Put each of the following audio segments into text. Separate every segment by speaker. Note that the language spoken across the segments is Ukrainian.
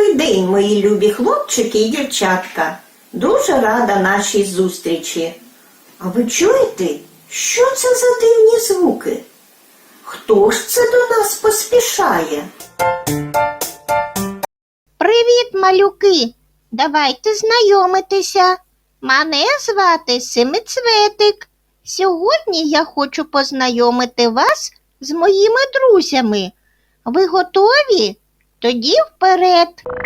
Speaker 1: Добрий день, мої любі хлопчики і дівчатка. Дуже рада нашій зустрічі. А ви чуєте, що це за дивні звуки? Хто ж це до нас поспішає?
Speaker 2: Привіт, малюки! Давайте знайомитися. Мене звати Семицветик. Сьогодні я хочу познайомити вас з моїми друзями. Ви готові? Тоді вперед.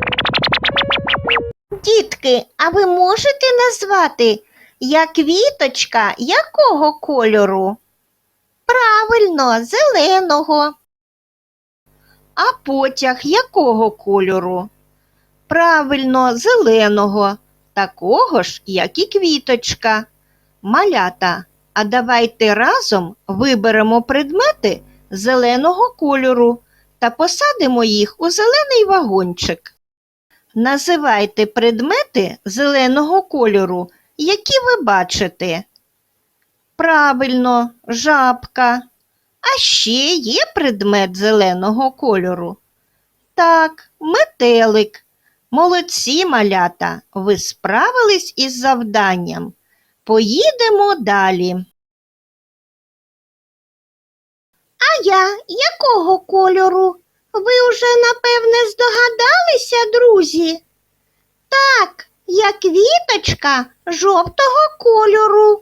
Speaker 2: Дітки, а ви можете назвати, я квіточка якого кольору? Правильно, зеленого. А потяг якого кольору? Правильно, зеленого, такого ж, як і квіточка. Малята, а давайте разом виберемо предмети зеленого кольору та посадимо їх у зелений вагончик. Називайте предмети зеленого кольору, які ви бачите. Правильно, жабка. А ще є предмет зеленого кольору? Так, метелик. Молодці, малята, ви справились із завданням. Поїдемо далі. А я якого кольору? Ви уже, напевне, здогадалися, друзі? Так, я квіточка жовтого кольору.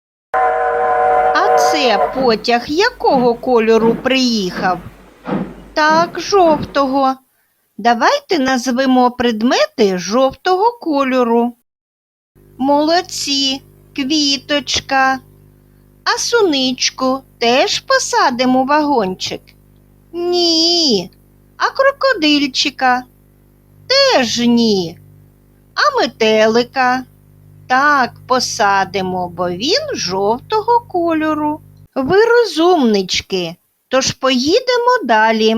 Speaker 2: А це потяг якого кольору приїхав? Так, жовтого. Давайте назвемо предмети жовтого кольору. Молодці, квіточка. А суничку теж посадимо у вагончик? Ні. А крокодильчика? Теж ні. А метелика? Так, посадимо, бо він жовтого кольору. Ви розумнички, тож поїдемо далі.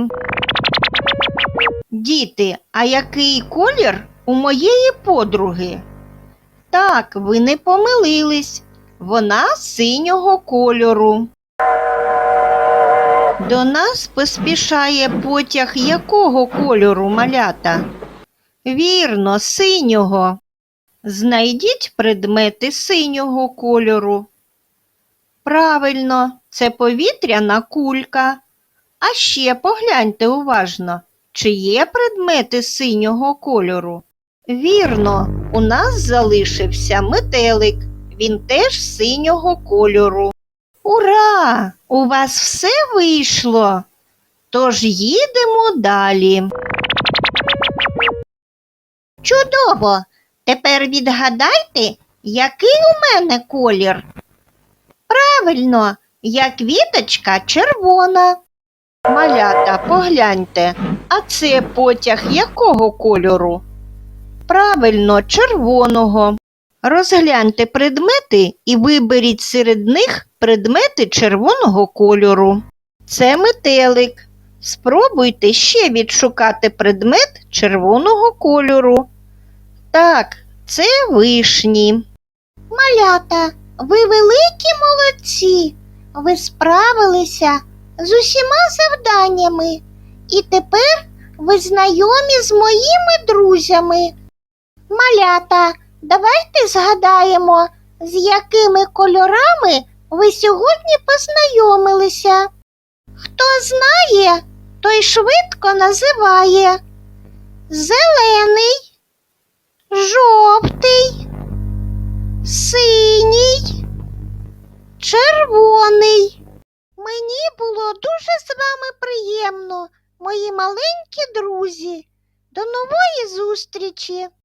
Speaker 2: Діти, а який колір у моєї подруги? Так, ви не помилились. Вона синього кольору. До нас поспішає потяг якого кольору, малята? Вірно, синього. Знайдіть предмети синього кольору. Правильно, це повітряна кулька. А ще погляньте уважно, чи є предмети синього кольору. Вірно, у нас залишився метелик. Він теж синього кольору. Ура! У вас все вийшло. Тож їдемо далі. Чудово! Тепер відгадайте, який у мене колір. Правильно, я квіточка червона. Малята, погляньте, а це потяг якого кольору? Правильно, червоного. Розгляньте предмети і виберіть серед них предмети червоного кольору. Це метелик. Спробуйте ще відшукати предмет червоного кольору. Так, це вишні. Малята, ви великі молодці. Ви справилися з усіма завданнями. І тепер ви знайомі з моїми друзями. Малята, давайте згадаємо, з якими кольорами ви сьогодні познайомилися. Хто знає, той швидко називає. Зелений, жовтий, синій, червоний. Мені було дуже з вами приємно, мої маленькі друзі. До нової зустрічі!